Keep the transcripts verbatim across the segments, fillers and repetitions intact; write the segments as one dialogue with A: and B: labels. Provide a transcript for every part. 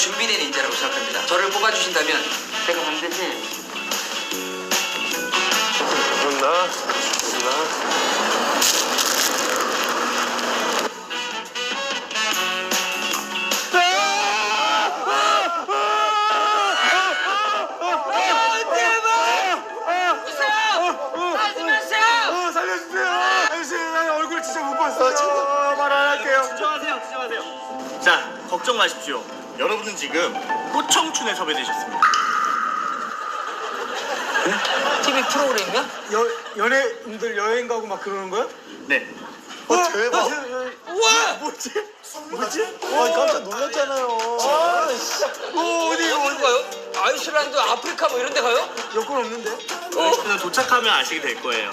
A: 준비된 인재라고 생각합니다. 저를 뽑아주신다면 제가 반드시
B: 좋나? 좋나?
C: 자, 걱정 마십시오. 여러분은 지금 꽃청춘에 섭외되셨습니다.
A: 티비 프로그램이야?
D: 여, 연예인들 여행 가고 막 그러는 거야?
C: 네.
B: 어, 대박.
A: 우와!
D: 뭐지? 뭐지?
B: 아, 깜짝 놀랐잖아요. 아, 씨.
D: 어, 어디,
A: 어디로 가요? 아이슬란드, 아프리카 뭐 이런 데 가요?
D: 여권 없는데?
C: 여러분은 도착하면 아시게 될 거예요.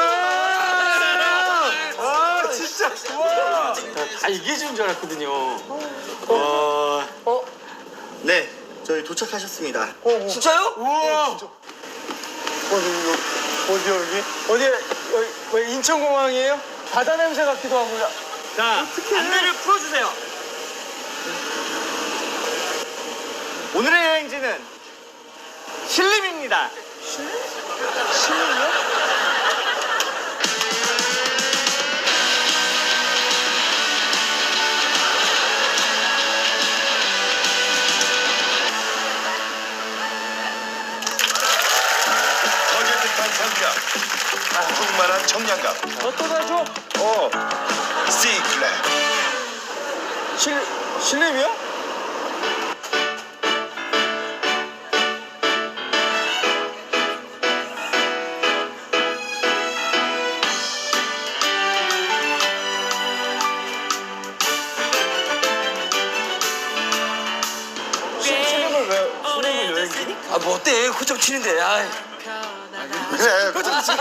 D: 아, 진짜. 와.
B: 다 얘기해 주는 줄 알았거든요.
C: 어...
A: 어?
C: 네, 저희 도착하셨습니다.
A: 진짜요?
D: 우와. 어디, 어디, 여기? 어디, 여기, 왜 인천공항이에요? 바다 냄새 같기도 하고요.
C: 자, 안내를 풀어주세요. 오늘의 여행지는 신림입니다.
D: 신림이요?
E: 청량, 풍만한 청량감.
D: 어떠다 줘?
E: 어, 시클랩.
D: 실, 신림이요? 신림을 왜, 신림을 여행지?
A: 아, 뭐 어때? 호점 치는데. 아이.
E: 그래,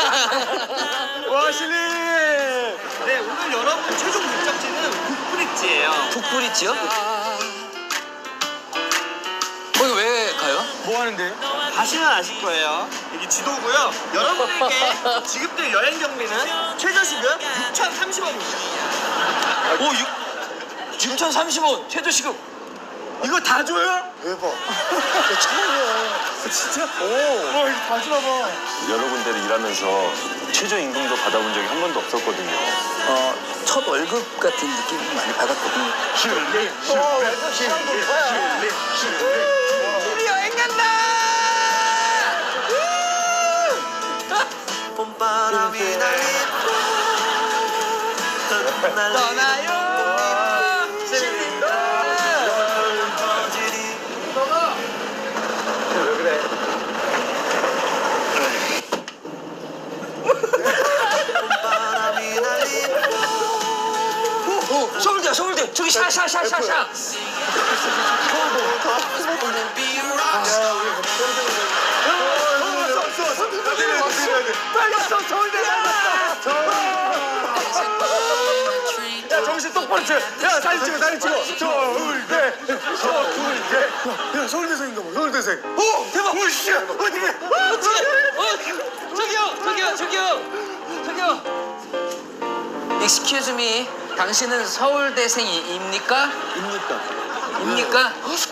D: 와, 신림!
C: 네, 오늘 여러분 최종 목적지는 북브릿지예요.
A: 북브릿지요? 거기 왜 가요?
D: 뭐 하는데?
C: 가시면 아실 거예요. 여기 지도고요. 여러분에게 지급될 여행 경비는 최저시급 육천삼십 원입니다.
A: 오, 육천삼십 원 최저 시급.
D: 이거 다 줘요?
E: 대박. 처음이야.
D: 진짜? 오. 와, 이거 다 주나 봐.
B: 여러 군데를 일하면서 최저임금도 받아본 적이 한 번도 없었거든요.
A: 어, 첫 월급 같은 느낌 많이 받았거든요.
D: 신림, 신림, 신림, 신림.
A: 우리 여행 간다!
C: 봄바람이 날리고
A: 떠나요. 신림도.
D: 왜 그래?
A: 오, 서울대야, 서울대. 저기 샤, 샤, 샤, 샤, 샤.
D: 빨리 왔어, 서울대 갔어. 야, 정신 똑바로 차려. 야, 사진 찍어, 사진 찍어. 서울대, 서울대. 야, 서울대생인가 봐, 서울대생. 오, 대박. 오, 씨, 어디?
A: 어떻게? 어, 저기요, 저기요, 저기요, 저기요. Excuse me. 당신은 서울대생입니까?
D: 입니까?
A: 입니까?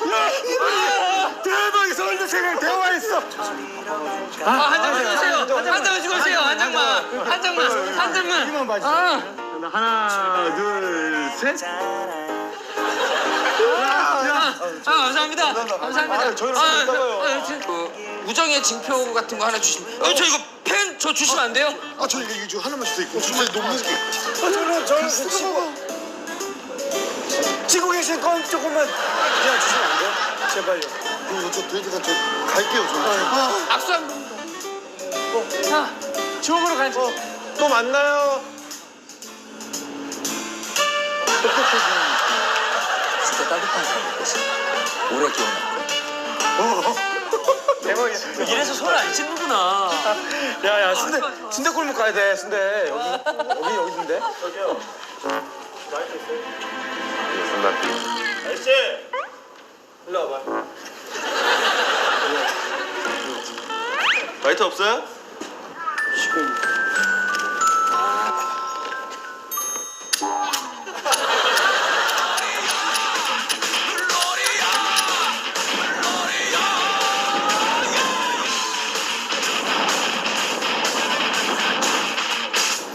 D: 대박, 서울대생이랑 대화했어.
A: 아, 한 장만 주세요. 한 장만 주고 오세요. 한 장만. 한 장만. 한 장만.
D: 이만 봐주세요.
A: 아.
D: 하나, 둘, 셋.
A: 아, 아, 감사합니다. 감사합니다.
D: 아, 저희랑 좀 이따가요.
A: 아, 저, 그, 우정의 징표 같은 거 하나 주시면. 어, 저 이거 펜 저 주시면 안 돼요?
E: 아, 저 이거 이거 하나만 주세요. 이거 주세요. 너무 무섭게.
D: 저는 저는 치고 치고 계신 건 조금만 그냥 주시면 안 돼요? 제발요.
E: 이거 저 돼지가 저 갈게요. 저. 아,
A: 악수 한 번. 어, 자,
D: 지옥으로 가지. 어, 또 만나요.
A: 진짜 따뜻한 사람이었어. 오래 기억날 거야.
D: 대박이야.
A: 이래서 손을 안 씻는구나.
D: 야야 순대 순대 골목 가야 돼. 순대 여기 여기 여기 순대. 저기요.
C: 아저씨!
D: 일로 와봐.
C: 라이트 없어요?
D: 지금.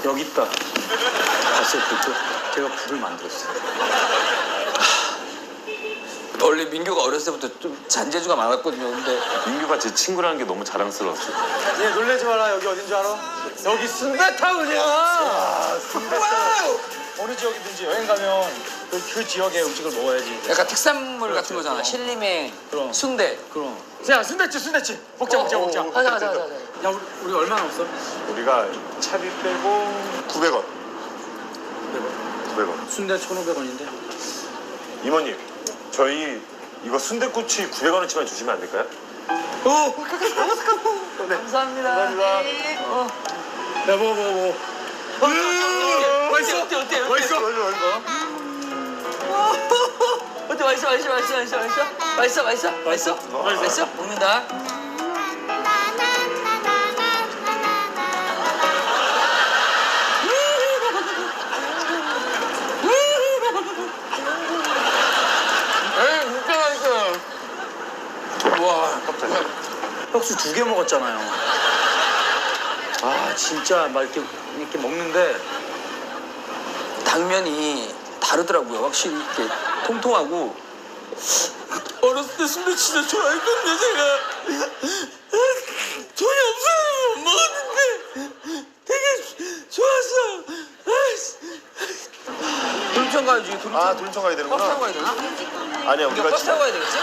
D: 여기 있다. 봤어요, 그거? 제가 불을 만들었어요.
A: 원래 민규가 어렸을 때부터 좀 잔재주가 많았거든요. 근데
B: 민규가 제 친구라는 게 너무 자랑스러웠어요.
D: 얘 놀라지 마라. 여기 어딘 줄 알아? 여기 순대타운이야. 와우! 어느 지역이든지 여행 가면 그, 그 지역의 음식을 먹어야지.
A: 약간 특산물 같은 거잖아. 신림행,
D: 그럼.
A: 순대.
D: 그럼. 야, 순대집, 순대집. 먹자, 먹자, 먹자.
A: 가자, 가자, 가자.
D: 야, 우리, 우리 얼마나 없어?
B: 우리가 차비 빼고
E: 구백 원.
B: 구백 원.
D: 순대 천오백 원인데.
B: 이모님, 저희 이거 순대꼬치 구백 원어치만 주시면 안 될까요?
D: 오!
A: 감사합니다.
B: 감사합니다.
A: 어.
D: 야, 먹어, 먹어, 먹어.
A: 맛있어? 어때, 어때, 어때?
D: 맛있어?
A: 어때, 맛있어, 맛있어, 맛있어, 맛있어, 맛있어? 맛있어, 맛있어? 맛있어? 맛있어? 먹는다. 에이, 진짜 맛있어요. 와, 깜짝이야.
D: 혁수 두 개 먹었잖아요. 아, 진짜 막 이렇게, 이렇게 먹는데
A: 당면이 다르더라고요. 확실히 이렇게 통통하고. 어렸을 때 순대 진짜 좋아했거든요, 제가. 돈이 없어서 못 먹었는데 되게 좋았어. 돌천 가야지, 돌천.
E: 아, 돌청 가야
A: 버스
E: 되는구나.
A: 타고 가야 되나?
B: 아니야,
A: 우리가
B: 우리가
A: 버스 타고 가야 되겠지?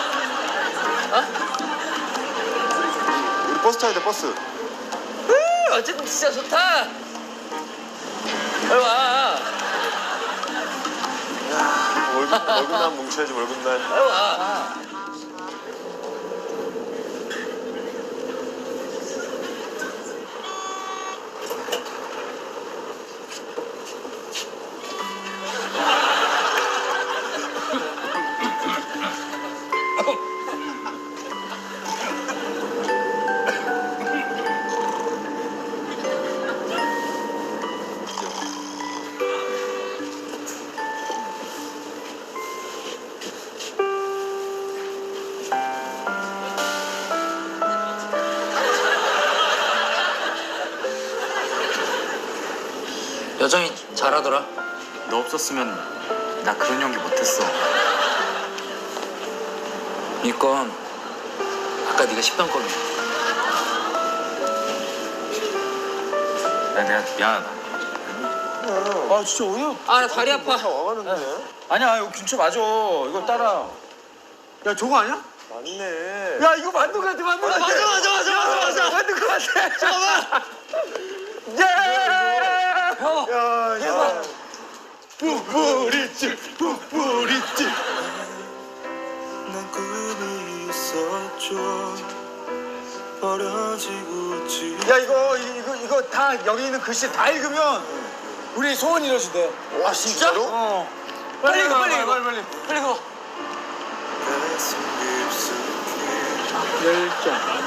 E: 우리 버스 타야 돼, 버스.
A: 음, 어쨌든 진짜 좋다. 빨리 와.
B: 월급, 월급날 뭉쳐야지, 월급날.
A: 빨리 와. 여정이 잘하더라.
D: 너 없었으면 나 그런 연기 못했어.
A: 이건 아까 네가 씹던 거네.
D: 야, 내가 미안하다. 아, 진짜 어이없.
A: 아, 나 다리 아파.
E: 와가는데.
D: 아니야, 이거 균초 맞아. 이거 따라. 야, 저거 아니야?
B: 맞네.
D: 야, 이거 만두 같아, 만두 같아.
A: 맞아, 맞아, 맞아, 맞아, 맞아.
D: 만두 같아.
A: 잠깐만.
D: 예!
A: 형.
D: 야, 대박. 뿌뿌리집, 뿌뿌리집.
F: 난 꿈이 있었죠. 버려지고 지
D: 야, 이거, 이거, 이거 다, 여기 있는 글씨 다 읽으면 우리 소원 이뤄지대.
E: 와, 진짜로?
D: 어.
A: 빨리 읽어, 빨리
D: 가,
A: 읽어.
D: 빨리, 빨리.
A: 빨리 가.
F: 가슴 깊숙이
D: 열정.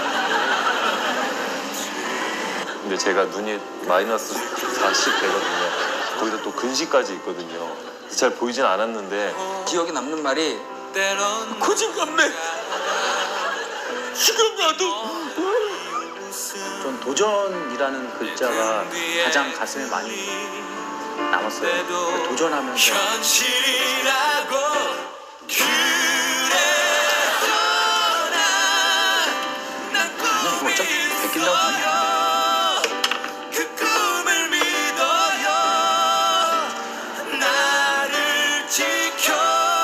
B: 근데 제가 눈이 마이너스 사십 되거든요. 거기다 또 근시까지 있거든요. 잘 보이진 않았는데
A: 기억에 남는 말이
F: 때론
A: 고진감래. 지금 나도.
D: 전 도전이라는 글자가 가장 가슴에 많이 남았어요. 그 도전하면서
F: 현실이라고 그래서 난난
A: 이거
F: 꿈이
A: 어차피 베낀다고
F: 있어요. 그 꿈을 믿어요. 나를 지켜봐요.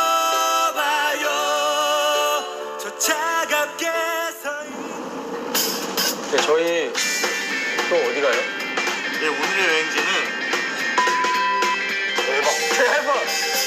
F: 저 차갑게 서
D: 네, 저희 또 어디 가요?
C: 네, 오늘의 여행지는
D: 대박. 대박.